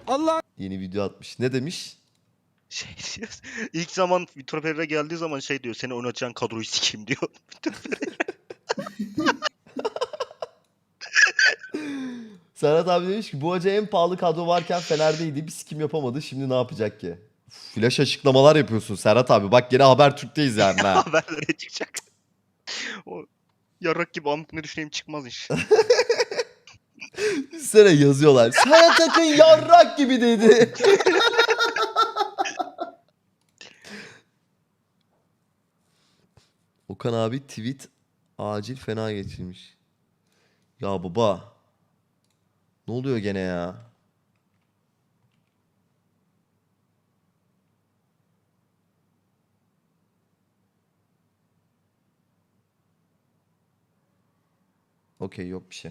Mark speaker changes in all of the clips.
Speaker 1: Allah
Speaker 2: Yeni video atmış. Ne demiş?
Speaker 3: Şey diyor. İlk zaman Vitor Pereira geldiği zaman şey diyor. Seni oynatacağın kadroyu sikeyim diyor.
Speaker 2: Serhat abi demiş ki bu hoca en pahalı kadro varken Fener'deydi. Bir sikim yapamadı. Şimdi ne yapacak ki? Flash açıklamalar yapıyorsun Serhat abi. Bak gene Habertürk'teyiz yani ha.
Speaker 3: Haberlere çıkacak. O yarrak gibi amk ne düşüneyim çıkmaz iş.
Speaker 2: Üstüne yazıyorlar. Serhat Akın yarrak gibi dedi. Okan abi tweet acil fena geçirmiş. Ya baba. Ne oluyor gene ya? Okey yok bir şey.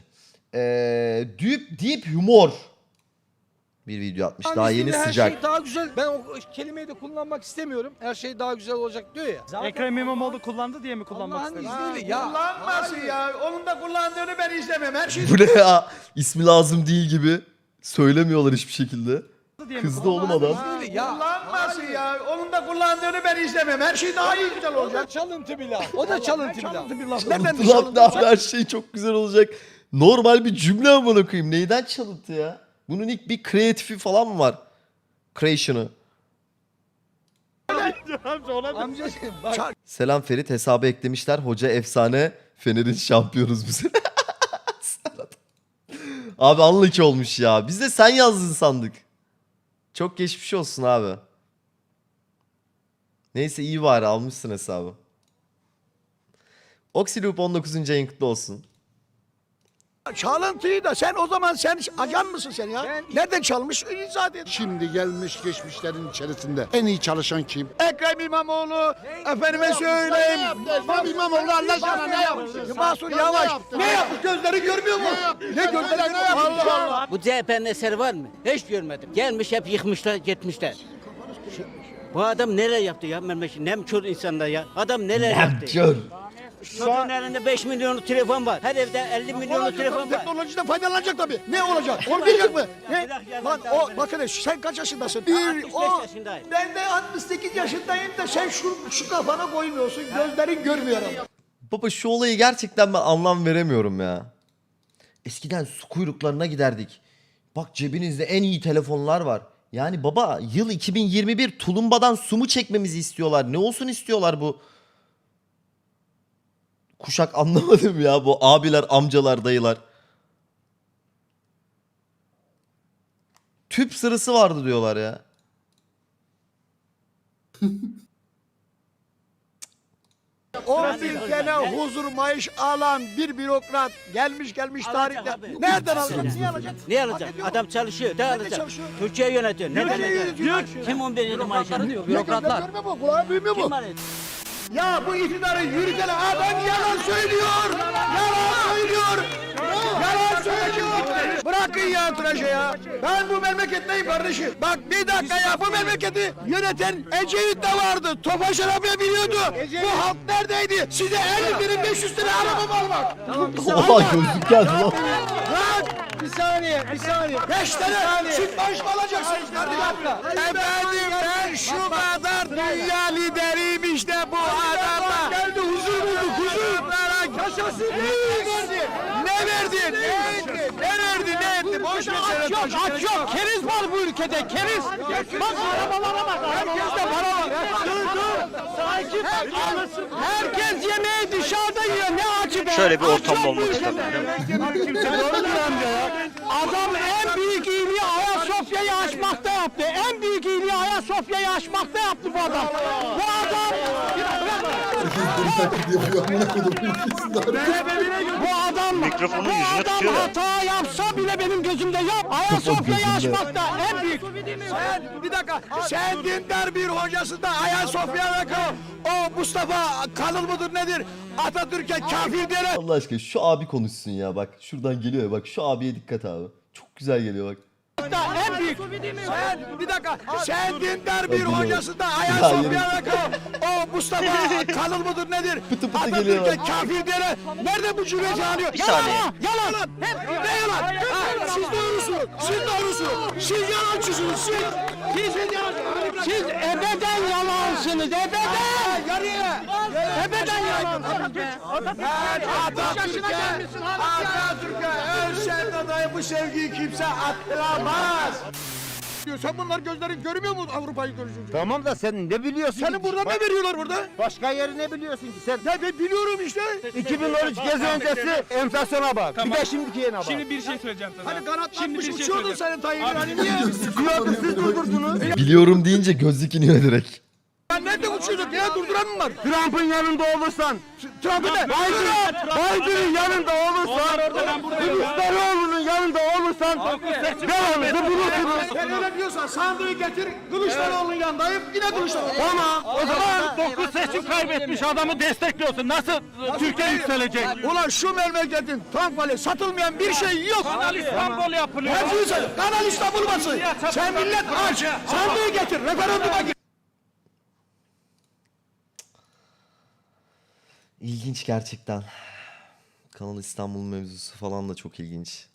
Speaker 2: Deep humor. Bir video atmış. Daha yeni
Speaker 1: her
Speaker 2: sıcak.
Speaker 1: şey daha güzel. Ben o kelimeyi de kullanmak istemiyorum. Her şey daha güzel olacak diyor ya.
Speaker 4: Ekrem İmamoğlu kullandı diye mi kullanmak
Speaker 1: Allah'ın
Speaker 4: istedin?
Speaker 1: izniyle ya.
Speaker 5: Kullanmasın ya. Onun da kullandığını ben izlemem. Her şey
Speaker 2: Bu ne ya? İsmi lazım değil gibi. Söylemiyorlar hiçbir şekilde.
Speaker 4: Diye mi
Speaker 2: Kızdı oğlum adam.
Speaker 1: İzniyle ya.
Speaker 5: kullanmasın ya. Onun da kullandığını ben izlemem. Her şey daha iyi güzel
Speaker 1: O
Speaker 5: olacak.
Speaker 1: da çalıntı bir laf. O da çalıntı bir laf.
Speaker 5: Nereden bir
Speaker 2: Ulan ne her şey çok güzel olacak. Normal bir cümle amına koyayım. Neyden çalıntı ya? Bunun ilk bir kreatifi falan mı var? Creation'ı.
Speaker 1: Amcacığım bak.
Speaker 2: Selam Ferit, hesabı eklemişler. Hoca efsane. Fener'in şampiyonuz bu sene. Abi unlucky olmuş ya. Biz de sen yazdın sandık. Çok geçmiş olsun abi. Neyse iyi bari almışsın hesabı. Oxyloop 19. ayın kutlu olsun.
Speaker 5: Çalıntıyı da sen o zaman sen ajan mısın sen ya?
Speaker 1: Ben-
Speaker 5: Nereden çalmış? İzah et.
Speaker 6: Şimdi gelmiş geçmişlerin içerisinde en iyi çalışan kim?
Speaker 5: Ekrem İmamoğlu, efendime söyleyeyim.
Speaker 6: Ekrem İmamoğlu Allah sana ne yaptı?
Speaker 5: Mahsur Yavaş. Ne yapmış? Gözleri görmüyor mu? Ne gözleri Allah Allah.
Speaker 7: Bu CHP'nin eseri var mı? Hiç görmedim. Gelmiş hep yıkmışlar, gitmişler. Bu adam neler yaptı ya memleket? Nemkör insanlar ya. Adam neler yaptı?
Speaker 2: Kör.
Speaker 7: Çocuğun elinde 5 milyonluk telefon var. Her evde 50 milyonluk telefon var.
Speaker 5: Teknolojiden faydalanacak tabii. Ne olacak? Olmayacak mı? Ne?
Speaker 7: Bırak ya,
Speaker 5: Lan
Speaker 7: ben
Speaker 5: o
Speaker 7: daha-
Speaker 5: bakın sen kaç yaşındasın?
Speaker 7: Ben 65 yaşındayım.
Speaker 5: Ben de 68 yaşındayım da sen şu kafana koymuyorsun. Gözlerin görmüyor ama.
Speaker 2: Baba şu olayı gerçekten ben anlam veremiyorum ya. Eskiden su kuyruklarına giderdik. Bak cebinizde en iyi telefonlar var. Yani baba yıl 2021 tulumbadan su mu çekmemizi istiyorlar? Ne olsun istiyorlar bu? Kuşak anlamadım ya bu abiler, amcalar, dayılar. Tüp sırası vardı diyorlar ya.
Speaker 5: O ülkene huzur maaş alan bir bürokrat gelmiş
Speaker 7: Alacak
Speaker 5: tarihte.
Speaker 7: abi.
Speaker 5: Nereden alacak? Niye alacak?
Speaker 7: Ne alacak? Adam çalışıyor. Ne
Speaker 5: Nerede
Speaker 7: alacak?
Speaker 5: çalışıyor?
Speaker 7: Türkiye yönetiyor. Ne
Speaker 5: Nerede
Speaker 7: alacak?
Speaker 5: yönetiyor?
Speaker 7: Kim 11 yıl maaş alıyor?
Speaker 5: Bürokratlar. Görmüyor mu? Kulağı duymuyor
Speaker 7: Kim
Speaker 5: mu?
Speaker 7: var?
Speaker 5: Ya bu iktidarı yürüten adam yalan söylüyor. Yalan söylüyor. Yalan söylüyor. Bırakın ya tıraşı ya. Ben bu memleketteyim kardeşim. Bak bir dakika ya bu memleketi yöneten Ecevit de vardı. Tofaş arabaya biniyordu. Bu halk neredeydi? Size 50.500 lira araba mı almak?
Speaker 2: Oha gözlük geldi lan.
Speaker 5: Lan!
Speaker 1: Bir saniye.
Speaker 5: 5 tane süt maaş mı alacaksınız kardeşim? Efendim ben şu kadar dünya lideriyim işte bu adama. Geldi huzur bulduk huzur. Yaşasın. Ne verdi? Ne etti? Boş ver sen.
Speaker 1: Aç yok. Keriz var bu ülkede. Keriz. Bak arabalara bak.
Speaker 5: Herkeste para var.
Speaker 1: Dur. Sakin. Herkes yemeği dışarıda yiyor. Ne acı be.
Speaker 3: Şöyle bir
Speaker 1: Aç
Speaker 3: ortamda
Speaker 1: yok bu
Speaker 3: olması
Speaker 1: ülkede.
Speaker 3: lazım.
Speaker 1: Adam en büyük iyiliği Ayasofya'yı açmakta yaptı. En büyük iyiliği Ayasofya'yı açmakta yaptı bu adam. Bu adam... Bu adam...
Speaker 3: Mikrofonun
Speaker 1: bu
Speaker 3: yüzüne
Speaker 1: adam
Speaker 3: tutuyor ya.
Speaker 1: hata yapsa bile benim gözümde yap. Ayasofya'yı açmakta en büyük...
Speaker 5: Sen bir dakika. Sen dindar bir hocası da Ayasofya'da kal. O Mustafa Kalın mıdır nedir? Atatürk'e kafir diyerek.
Speaker 2: Allah aşkına şu abi konuşsun ya bak. Şuradan geliyor ya bak şu abiye dikkat abi. Çok güzel geliyor bak.
Speaker 1: En büyük.
Speaker 5: Sen bir dakika. Sen dindar bir
Speaker 2: Hadi
Speaker 5: hocası da
Speaker 2: Ya
Speaker 5: Ayasofya
Speaker 2: yürü.
Speaker 5: Sofya'da o Mustafa Kanıl mıdır nedir?
Speaker 2: Pıtı pıtı
Speaker 5: Atatürk'e
Speaker 2: geliyor.
Speaker 5: kafir diyene nerede bu cümleci anıyor?
Speaker 3: Bir saniye.
Speaker 5: Yalan. Hep ne yalan? Ha, siz doğrusunuz. Siz doğrusunuz. Siz yalancısınız. Siz yalancısınız.
Speaker 1: Siz ebeden yalansınız. Ebeden.
Speaker 5: Yarıya.
Speaker 1: Ebeden yalansınız.
Speaker 5: Ben Atatürk'e ölsen adayı bu sevgiyi kimse attıramaz. Sen bunlar gözlerin görmüyor mu Avrupa'yı görüşünce?
Speaker 8: Tamam da sen ne biliyorsun?
Speaker 5: Senin burada ne veriyorlar burada?
Speaker 8: Başka yeri ne biliyorsun ki sen?
Speaker 5: Ya ben biliyorum işte.
Speaker 8: 2013 gezi öncesi enflasyona bak. Bir de şimdikine bak.
Speaker 4: Şimdi bir şey söyleyeceğim sana.
Speaker 5: Hani kanatlanmış
Speaker 4: Şimdi bir şey
Speaker 5: uçuyordun
Speaker 4: söyleyeceğim.
Speaker 5: senin Tayyip'in hani niye?
Speaker 8: Sıkıyordu siz durdurdunuz.
Speaker 2: Biliyorum deyince gözlük iniyor direkt.
Speaker 5: Ben nerede uçuyorduk ya durduran mı var?
Speaker 8: Trump'ın yanında olursan.
Speaker 5: Trump'ı ne?
Speaker 8: Biden'ın yanında olursan. Kılıçdaroğlu'nun yanında olursan. Devamlı bulursunuz.
Speaker 5: Sen öyle diyorsan sandığı getir Kılıçdaroğlu'nun yanındayım yine Kılıçdaroğlu.
Speaker 8: Tamam.
Speaker 4: O zaman 9 seçim kaybetmiş adamı destekliyorsun. Nasıl Türkiye yükselecek?
Speaker 5: Ulan şu memleketin tank vali satılmayan bir şey yok.
Speaker 4: Kanal İstanbul yapılıyor.
Speaker 5: Hepsini sen Kanal İstanbul basın. Sen millet aç. Sandığı getir referanduma gir.
Speaker 2: İlginç gerçekten. Kanal İstanbul mevzusu falan da çok ilginç.